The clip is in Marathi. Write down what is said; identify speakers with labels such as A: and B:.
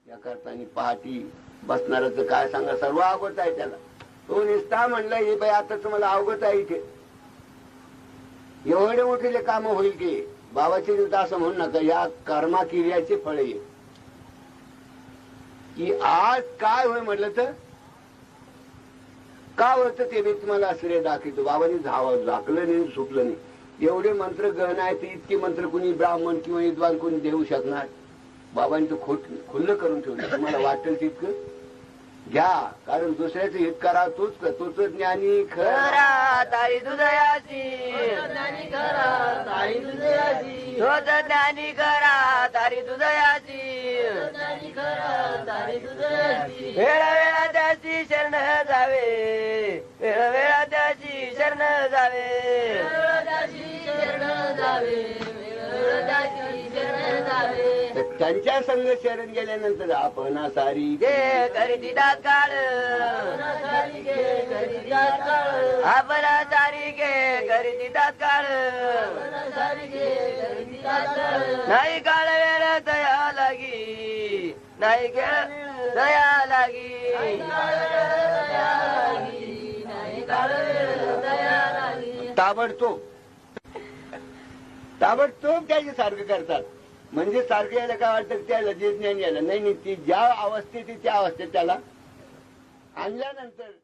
A: या करताना पहाटी बसणाऱ्याचं काय सांगा, सर्व अवगत आहे त्याला. तो निस्ता म्हणला हे बाई आता तुम्हाला अवगत आहे इथे एवढे मोठे काम होईल की बाबाची देवता असं म्हणू नका, या कर्मा क्रियाचे फळ आहे की आज काय होय म्हटलं तर का होतं ते मी तुम्हाला श्रेय दाखवतो. बाबांनी झाकलं नाही सुटलं नाही. एवढे मंत्र गहन आहेत ते इतके मंत्र कुणी ब्राह्मण किंवा विद्वान कोणी देऊ शकणार. बाबांनी तो खुल्लं करून ठेवलं. तुम्हाला वाटेल तितकं घ्या, कारण दुसऱ्याचं हित करा तोच ज्ञानी खरा तारी दुदयाची, ज्ञानी खरा तारी दुदयाची, तोच ज्ञानी खरा तारी दुदयाची, ज्ञानी खरा तारी दुदयाची. वेळा वेळा त्याची शरण जावे, वेळा वेळा त्याची शरण जावे, त्याची शरण जावे, त्यांच्या संग शरण गेल्यानंतर आपण सारी गे करीती काळ, आपण सारी गे करीती काळ, नाही काळ वेळ दया लागी, नाही खेळ दया लागी, ताबडतोब त्याचे सारखं करतात. म्हणजे सारखं यायला काय वाटतं त्याला जे ज्ञान यायला नाही, ती ज्या अवस्थेत त्या अवस्थेत त्याला आणल्यानंतर